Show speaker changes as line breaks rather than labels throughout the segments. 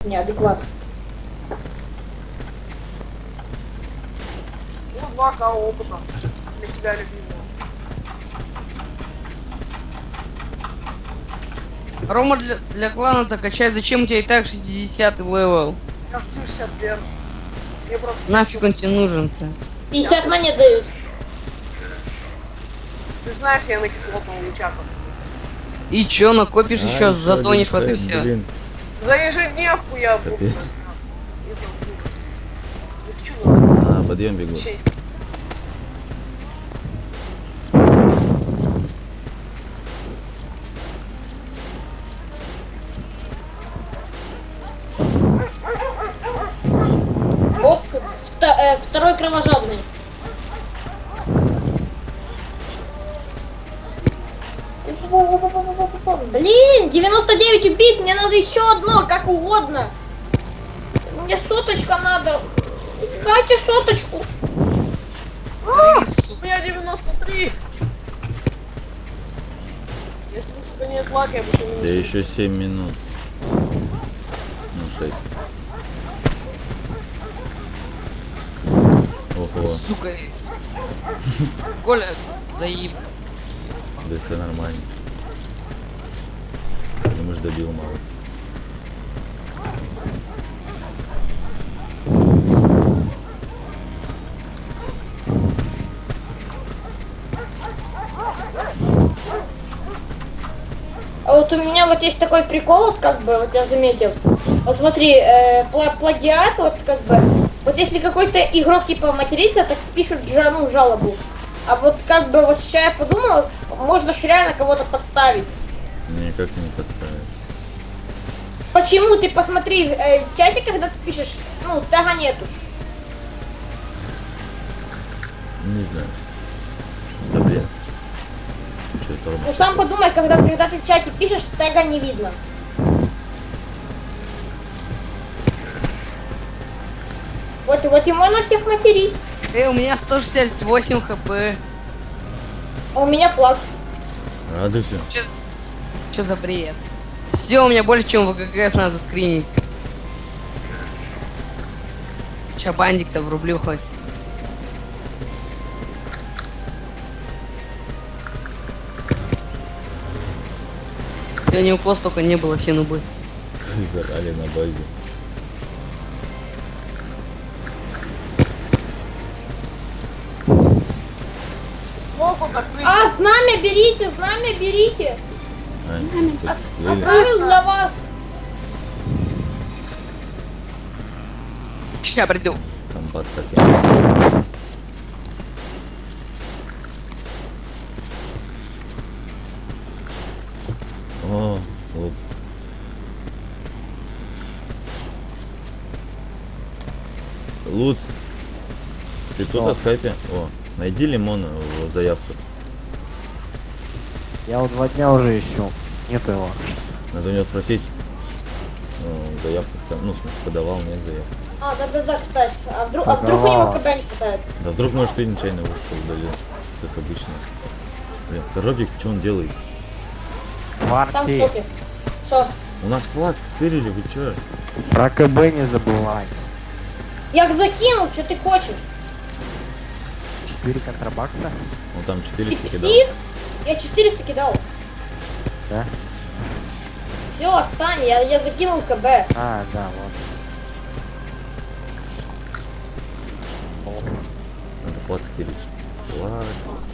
Неадекват.
Ну, 2К опыта для себя любимого.
Рома для клана-то качать, зачем у тебя и так 60-й левел?
Я хочу 61. Мне просто...
Нафиг он тебе нужен-то?
50 монет дают.
Ты знаешь, я на кислотном лучаках.
И чё, накопишь еще,
еще
затонешь, вот и
один
все.
Блин,
За ежедневку я буду.
капец. Подъем бегу.
Оп, второй кровожадный. Блин, 99 убить, мне надо еще одно, как угодно. Мне соточка надо. Дайте соточку.
У меня 93. Если у тебя нет лака, я бы еще
Да еще 7 минут. Ну, 6. Ого,
Сука. Коля, заеб.
да все нормально. Ну, мы ж добил малость.
А вот у меня вот есть такой прикол, вот как бы, вот я заметил. Вот смотри, плагиат, вот как бы, вот если какой-то игрок типа матерится, так пишут жалобу. А вот как бы вот сейчас я подумала, можно ж реально кого-то подставить.
Никак ты не подставишь.
Почему? Ты посмотри, в чате, когда ты пишешь, ну, тега нету.
Не знаю. Да блин. Что это
Ну, сам подумай, когда ты в чате пишешь, тега не видно. Вот и можно всех материть.
У меня 168 хп.
А у меня флаг.
Радуйся.
Чё за бред? Все, у меня больше, чем ВГГС надо скринить. Ща бандик-то врублю хоть. Сегодня укос только не было, все нубы.
Зарали на базе.
могут открыть.
А, знамя берите, знамя берите. Оставил для вас.
Ща приду.
Комбат как я. О, вот. Луц, ты тут на скайпе? О, найди лимон в заявку.
Я вот 2 дня уже ищу. Нет его.
Надо у него спросить. Ну, в заявках там, ну, в смысле, подавал, нет заявки.
А, да, кстати. А вдруг у него когда не хватает?
Да вдруг, может, ты нечаянно ушел, удалил, как обычно. Блин, в коробке что он делает?
Там в
Парти.
шоке. Что?
У нас флаг стырили, вы чё?
Про КБ не забывай.
Я их закинул, что ты хочешь?
4 контрабакса.
Он там
Ты
400 кидал.
псих? Я 400 кидал.
Да?
Все, отстань, я закинул КБ.
А, да, вот.
Надо флаг стырить. Флаг.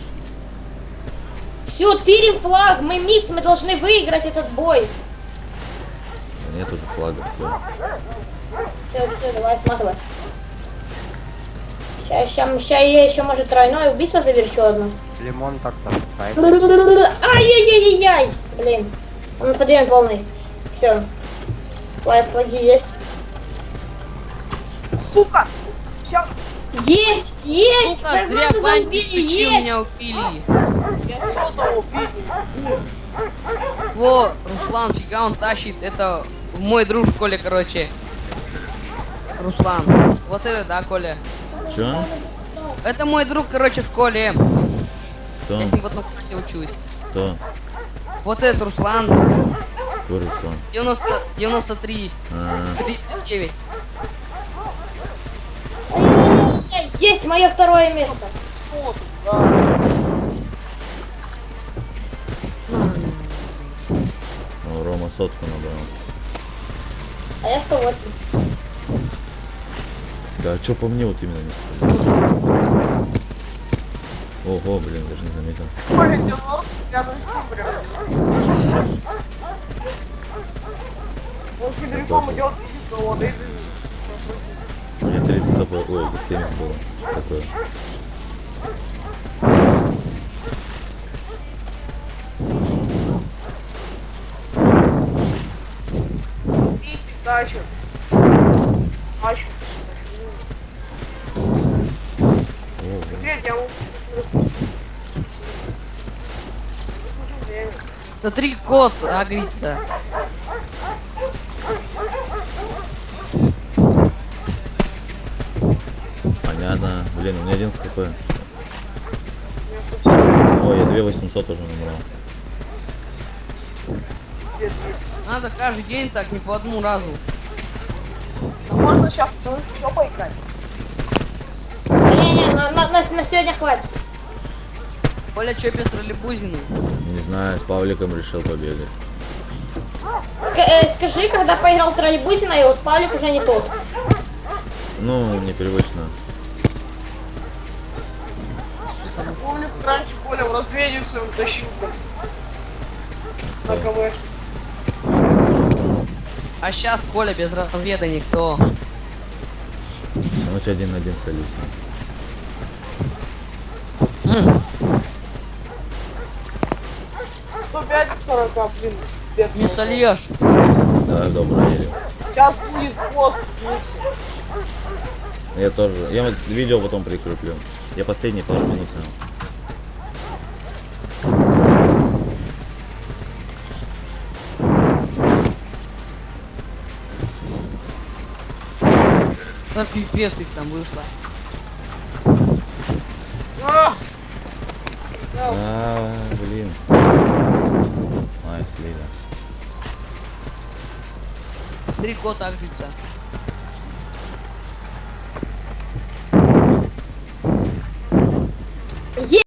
Все, тырим флаг, мы микс, мы должны выиграть этот бой.
Да нет уже флага, все.
Все, давай, сматывай. Сейчас я еще, может, тройное убийство завершу одно.
Лимон так-то.
Ай-яй-яй-яй! Блин. Он подъем полный. Все. Флаги есть.
Сука! Сейчас
Есть! Есть!
Сука, зря
Нормально
бандик
забили,
ключи у
есть!
меня убили.
я сотого убил.
Во, Руслан, фига он тащит. Это мой друг в школе, короче. Руслан. Вот это да, Коля.
Чё?
Это мой друг, короче, в школе.
Кто?
Я с ним в одном классе учусь.
Кто?
Вот этот Руслан.
Твой какой Руслан?
93,
А,
39.
Есть мое второе место.
Что ты, да.
о, Рома сотку набрал.
А я 108.
Да, а чё по мне вот именно не стоит? Ого, блин, даже не заметил.
Ой, 90 рядом с ним прям. Он сибиряком идет, видит, что он и...
У меня 30 хп, ой, это 70 было. Что такое?
И дальше. Дальше.
Ого.
Теперь я могу... Время.
Смотри, кот агрится.
Понятно. Блин, у меня 11 хп.
Я, собственно,
Ой, я 2800 уже набрал.
где-то есть.
Надо каждый день так, не по одному разу.
А можно сейчас еще поиграть?
Не-не, на сегодня хватит.
Коля, чё без троллейбузины?
Не знаю, с Павликом решил побегать.
Скажи, когда поиграл в Троллейбузина, и вот Павлик уже не тот.
Ну, непривычно.
Помню, как раньше Коля в разведию своем тащил. На КВшке.
А сейчас Коля без разведа никто.
Ночь 1 на 1 солюсь.
М,
105 к 40, блин, пипец.
Не сольешь.
Давай в доброе.
Сейчас будет пост, микс.
Я тоже. Я вот видео потом прикреплю. Я последние пару минут снял.
Да пипец их там вышло.
А!
Блин. Ай, слили.
Смотри, кот агрится.